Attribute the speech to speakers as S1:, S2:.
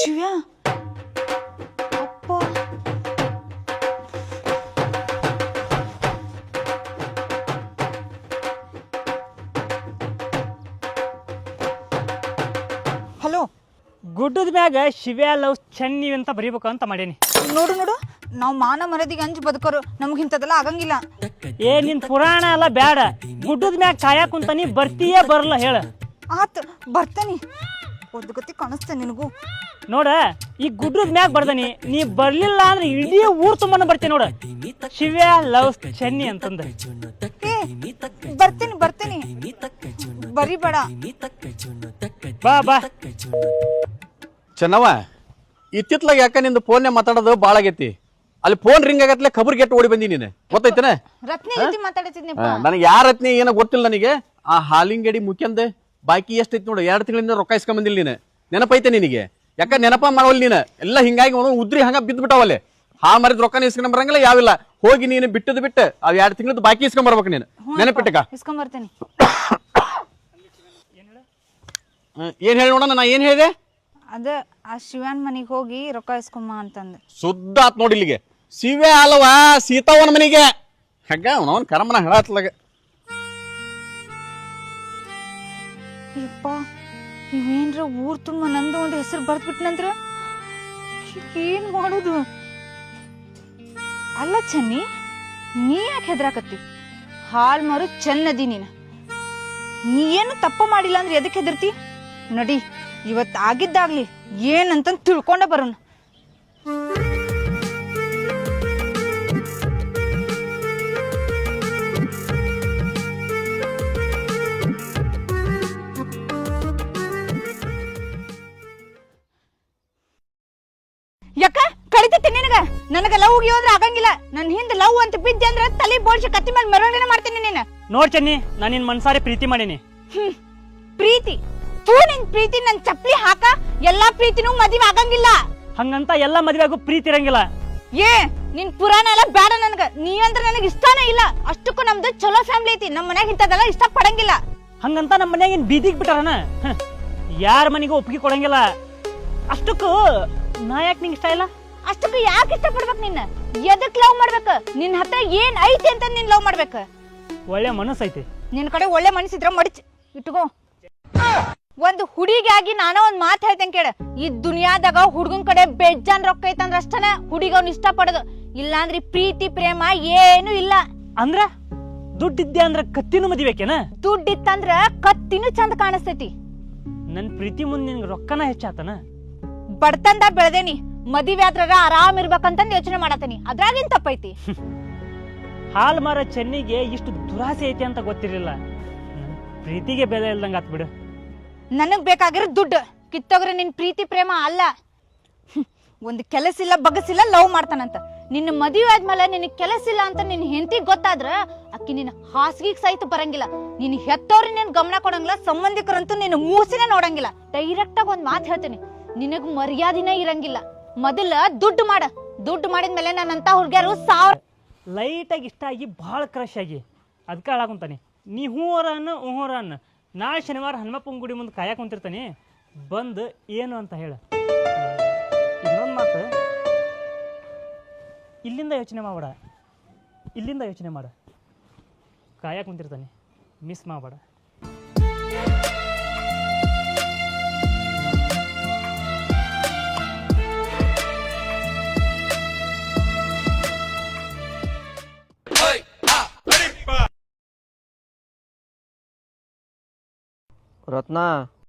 S1: ಶಿವ್ಯ ಅಪ್ಪ ಹಲೋ.
S2: ಗುಡ್ಡದ ಮ್ಯಾಗ ಶಿವ್ಯಾ ಲವ್ ಚೆನ್ನಿ ಅಂತ ಬರೀಬೇಕು ಅಂತ ಮಾಡೇನಿ.
S1: ನೋಡು ನೋಡು, ನಾವು ಮಾನ ಮರದಿಗೆ ಅಂಜಿ ಬದುಕೋರು, ನಮ್ಗೆ ಇಂಥದ್ದೆಲ್ಲ ಆಗಂಗಿಲ್ಲ.
S2: ಏ ನಿನ್ ಪುರಾಣ ಎಲ್ಲ ಬ್ಯಾಡ, ಗುಡ್ಡದ ಮ್ಯಾಗ ಕಾಯಕ್ ಕುಂತಾನಿ, ಬರ್ತೀಯೇ ಬರಲ್ಲ ಹೇಳ.
S1: ಆತ್ ಬರ್ತಾನಿ, ಒಂದು ಗತಿ ಕಾಣಿಸ್ತೇನೆ ನಿನಗೂ.
S2: ನೋಡ ಈ ಗುಡ್ಡದ ಮ್ಯಾಗ ಬರ್ದಾನಿ, ನೀ ಬರ್ಲಿಲ್ಲ ಅಂದ್ರೆ ಇಡೀ ಊರ್ ತುಂಬಾನ ಬರ್ತೀನಿ ನೋಡ, ಶಿವ್ಯಾ ಲವ್ ಚೆನ್ನಿ ಅಂತಂದ.
S1: ಏ ಬರ್ತೀನಿ ಬರ್ತೀನಿ, ಬರಿಬೇಡ.
S2: ಬಾ ಬಾ.
S3: ಚೆನ್ನವ, ಇತ್ತಿತ್ಲಾಗ ಯಾಕ ನಿಂದು ಫೋನ್ ಮಾತಾಡೋದು ಭಾಳ ಆಗೈತಿ. ಅಲ್ಲಿ ಫೋನ್ ರಿಂಗ್ ಆಗತ್ಲೆ ಖಬರ್ ಗೆಟ್ಟು ಓಡಿ ಬಂದಿ ನೀನು, ಗೊತ್ತೈತನ?
S1: ರತ್ನಿ ಜೊತೆ ಮಾತಾಡ್ತಿದ್ನಪ್ಪ.
S3: ನನಗೆ ಯಾರ ರತ್ನಿ ಏನೋ ಗೊತ್ತಿಲ್ಲ ನನಗೆ. ಆ ಹಾಲಿನ ಗಡಿ ಮುಖ್ಯಂದ ಬಾಕಿ ಎಷ್ಟೈತಿ ನೋಡು, 2 ತಿಂಗಳಿಂದ ರೊಕ್ಕ ಇಸ್ಕೊಂಬಂದಿಲ್ಲ ನೀನು. ನೆನಪೈತೆ ನಿನಗೆ? ಯಾಕ ನೆನಪ ಮಾಡವಲ್ ನೀನು? ಎಲ್ಲ ಹಿಂಗಾಗಿ ಉದ್ರಿ ಹಂಗ ಬಿದ್ದು ಬಿಟ್ಟಾವಲ್ಲಿ. ಹಾಲ್ ಮಾರಿದ ರೊಕ್ಕನ ಇಸ್ಕೊಂಡ್ ಬರಂಗಿಲ್ಲ, ಯಾವಿಲ್ಲ. ಹೋಗಿ ನೀನು ಬಿಟ್ಟದ್ ಬಿಟ್ಟು ಅವ್ 2 ತಿಂಗಳದ್ದು ಬಾಕಿ ಇಸ್ಕೊಂಡ್ ಬರ್ಬೇಕು ನೀನು. ನೆನಪಿಟ್ಟಕ
S1: ಇಸ್ಕೊಂಬರ್ತೀನಿ.
S3: ಏನ್ ಹೇಳಿ ನೋಡೋಣ, ನಾ ಏನ್ ಹೇಳಿದೆ?
S1: ಅದ ಆ ಶಿವನ್ ಮನಿಗೆ ಹೋಗಿ ರೊಕ್ಕ ಇಸ್ಕೊಂಬ ಅಂತಂದ.
S3: ಸುದ್ದ ಆತ್ ನೋಡಿ ಇಲ್ಲಿಗೆ. ಶಿವೆ ಅಲ್ವಾ ಸೀತಾವನ ಮನಿಗೆ. ಹಂಗ ಅವನವನ್ ಕರಮನ ಹೇಳತ್ಲಾಗ.
S1: ಯಪ್ಪ, ಇವೇನ್ರ ಊರ್ ತುಂಬ ನಂದು ಒಂದು ಹೆಸರು ಬರ್ದ್ ಬಿಟ್ನಂದ್ರ ಏನ್ ಮಾಡೋದು? ಅಲ್ಲ ಚೆನ್ನಿ, ನೀ ಯಾಕೆ ಹೆದರಾಕತ್ತಿ? ಹಾಲ್ ಮಾರು ಚೆನ್ನದಿ ನೀನು. ನೀ ಏನು ತಪ್ಪ ಮಾಡಿಲ್ಲ ಅಂದ್ರೆ ಎದಕ್ಕೆ ಹೆದರ್ತಿ? ನಡಿ, ಇವತ್ತು ಆಗಿದ್ದಾಗ್ಲಿ ಏನಂತ ತಿಳ್ಕೊಂಡ ಬರೋಣ. ಯಾಕ ಕಳಿತೈತಿ ನಿನಗ? ನನಗ ಲವ್ ಹೋದ್ರೆ ಆಗಂಗಿಲ್ಲ. ನನ್ ಹಿಂದ್ ಲವ್ ಅಂತ ಬಿದ್ದೆ ಅಂದ್ರೆ ತಲೆ ಬೋಳ್ಸಿ ಕತ್ತಿ ಮೇಲೆ ಮೆರವಣಿಗೆ ಮಾಡ್ತೀನಿ ನೀನು.
S2: ನೋಡ್ ಚೆನ್ನಿ, ನಾನು ನಿನ್ ಮನ್ಸಾರಿ ಪ್ರೀತಿ ಮಾಡೀನಿ.
S1: ಪ್ರೀತಿ ತೂ ನಿನ್ ಪ್ರೀತಿ ನನ್ ಚಪ್ಪಲಿ ಹಾಕ. ಎಲ್ಲಾ ಪ್ರೀತಿನೂ ಮದುವೆ ಆಗಂಗಿಲ್ಲ.
S2: ಹಂಗಂತ ಎಲ್ಲಾ ಮದ್ವೆಗೂ ಪ್ರೀತಿ ಇರಂಗಿಲ್ಲ.
S1: ಏ ನಿನ್ ಪುರಾಣ ಎಲ್ಲ ಬೇಡ ನನಗ. ನೀವಂದ್ರ ನನಗ್ ಇಷ್ಟಾನೇ ಇಲ್ಲ. ಅಷ್ಟಕ್ಕೂ ನಮ್ದು ಚಲೋ ಫ್ಯಾಮಿಲಿ ಐತಿ. ನಮ್ ಮನ್ಯಾಗ ಇಂಥದೆಲ್ಲ ಇಷ್ಟ ಪಡಂಗಿಲ್ಲ.
S2: ಹಂಗಂತ ನಮ್ಮ ಮನ್ಯಾಗ ಏನ್ ಬೀದಿಗೆ ಬಿಟ್ಟಾರನ? ಯಾರ ಮನೆಗೂ ಒಪ್ಪಿಗೆ ಕೊಡಂಗಿಲ್ಲ. ಅಷ್ಟಕ್ಕೂ ನಾ ಯಾಕೆ ನಿಂಗೆ ಇಷ್ಟ ಇಲ್ಲ?
S1: ಅಷ್ಟಕ್ಕೂ ಯಾಕೆ ಇಷ್ಟ ಪಡ್ಬೇಕ್? ನಿನ್ನ ಎದಕ್ ಲವ್ ಮಾಡ್ಬೇಕ? ನಿನ್ ಹತ್ರ ಏನ್ ಐತಿ ಅಂತ ನೀನ್ ಲವ್ ಮಾಡ್ಬೇಕ?
S2: ಒಳ್ಳೆ ಮನಸ್ಸು ಐತಿ
S1: ನಿನ್ ಕಡೆ. ಒಳ್ಳೆ ಮನಸ್ಸಿದ್ರ ಮಡಿಚ್ ಇಟ್ಕೋ. ಒಂದು ಹುಡುಗಿಯಾಗಿ ನಾನೋ ಒಂದ್ ಮಾತು ಹೇಳ್ತೇನೆ ಕೇಳ. ಈ ದುನಿಯಾದಾಗ ಹುಡುಗನ್ ಕಡೆ ಬೇಜಾನ್ ರೊಕ್ಕ ಐತಂದ್ರ ಅಷ್ಟನ ಹುಡುಗ ಅವ್ನ ಇಷ್ಟ ಪಡೋದು. ಇಲ್ಲಾಂದ್ರೆ ಪ್ರೀತಿ ಪ್ರೇಮ ಏನು ಇಲ್ಲ.
S2: ಅಂದ್ರ ದುಡ್ಡಿದ್ದೆ ಅಂದ್ರ ಕತ್ತಿನೂ ಮದಿಬೇಕೇನ?
S1: ದುಡ್ಡಿತ್ತಂದ್ರ ಕತ್ತಿನೂ ಚಂದ ಕಾಣಿಸ್ತೈತಿ.
S2: ನನ್ ಪ್ರೀತಿ ಮುಂದೆ ನಿನ್ಗೆ ರೊಕ್ಕನ ಹೆಚ್ಚಾತನ?
S1: ಬಡತಂದ ಬೆಳೆದೇನಿ, ಮದುವೆ ಆದ್ರ ಆರಾಮ್ ಇರ್ಬೇಕಂತಂದ್ ಯೋಚನೆ ಮಾಡತೇನಿ. ಅದ್ರಾಗೇನ್ ತಪ್ಪೈತಿ?
S2: ಹಾಲ್ ಮಾರ ಚೆನ್ನಿಗೆ ಇಷ್ಟು ದುರಾಸೆ ಐತಿ ಅಂತ ಗೊತ್ತಿರ್ಲಿಲ್ಲ. ಪ್ರೀತಿಗೆ ಬೆಲೆ ಇಲ್ದಂಗ ಆತ್ ಬಿಡು.
S1: ನನಗ್ ಬೇಕಾಗಿರೋ ದುಡ್ಡು ಕಿತ್ತೋಗ್ರೆ ನಿನ್ ಪ್ರೀತಿ ಪ್ರೇಮ ಅಲ್ಲ. ಒಂದ್ ಕೆಲಸ ಇಲ್ಲ ಬಗಸಿಲ್ಲ ಲವ್ ಮಾಡ್ತಾನಂತ. ನಿನ್ನ ಮದುವೆ ಆದ್ಮೇಲೆ ನಿನಗ್ ಕೆಲಸ ಇಲ್ಲ ಅಂತ ನಿನ್ ಹೆಂಡತಿಗ್ ಗೊತ್ತಾದ್ರ ಅಕ್ಕಿ ನಿನ್ನ ಹಾಸಿಗೆಗ್ ಸಹಿತ ಬರಂಗಿಲ್ಲ. ನಿನ್ ಹೆತ್ತವ್ರಿ ನೀನ್ ಗಮನ ಕೊಡಂಗಿಲ್ಲ, ಸಂಬಂಧಿಕರಂತೂ ನಿನ್ನ ಮೂಸಿನೇ ನೋಡಂಗಿಲ್ಲ. ಡೈರೆಕ್ಟ್ ಆಗಿ ಒಂದ್ ಮಾತು ಹೇಳ್ತೀನಿ, ನಿನಗ್ ಮರ್ಯಾದಿನೇ ಇರಂಗಿಲ್ಲ. ಮೊದಲ ದುಡ್ಡು ಮಾಡ. ದುಡ್ಡು ಮಾಡಿದ್ಮೇಲೆ ನನ್ನಂತ ಹುಡುಗಿಯರು
S2: ಲೈಟ್ ಆಗಿ ಇಷ್ಟ ಆಗಿ ಭಾಳ ಕ್ರಶ್ ಆಗಿ ಅದಕ್ಕೆ ಹಾಳಾಕೊಂತಾನೆ. ನೀ ಹೂವರನ್ನ ನಾಳೆ ಶನಿವಾರ ಹನುಮಪ್ಪನ ಗುಡಿ ಮುಂದೆ ಕಾಯಕ್ಕೆ ಕುಂತಿರ್ತಾನೆ, ಬಂದು ಏನು ಅಂತ ಹೇಳ. ಇನ್ನೊಂದು ಮಾತು, ಇಲ್ಲಿಂದ ಯೋಚನೆ ಮಾಡಬೇಡ, ಇಲ್ಲಿಂದ ಯೋಚನೆ ಮಾಡ. ಕಾಯಕ್ಕೆ ಕುಂತಿರ್ತಾನೆ, ಮಿಸ್ ಮಾಡಬೇಡ.
S4: ರತ್ನ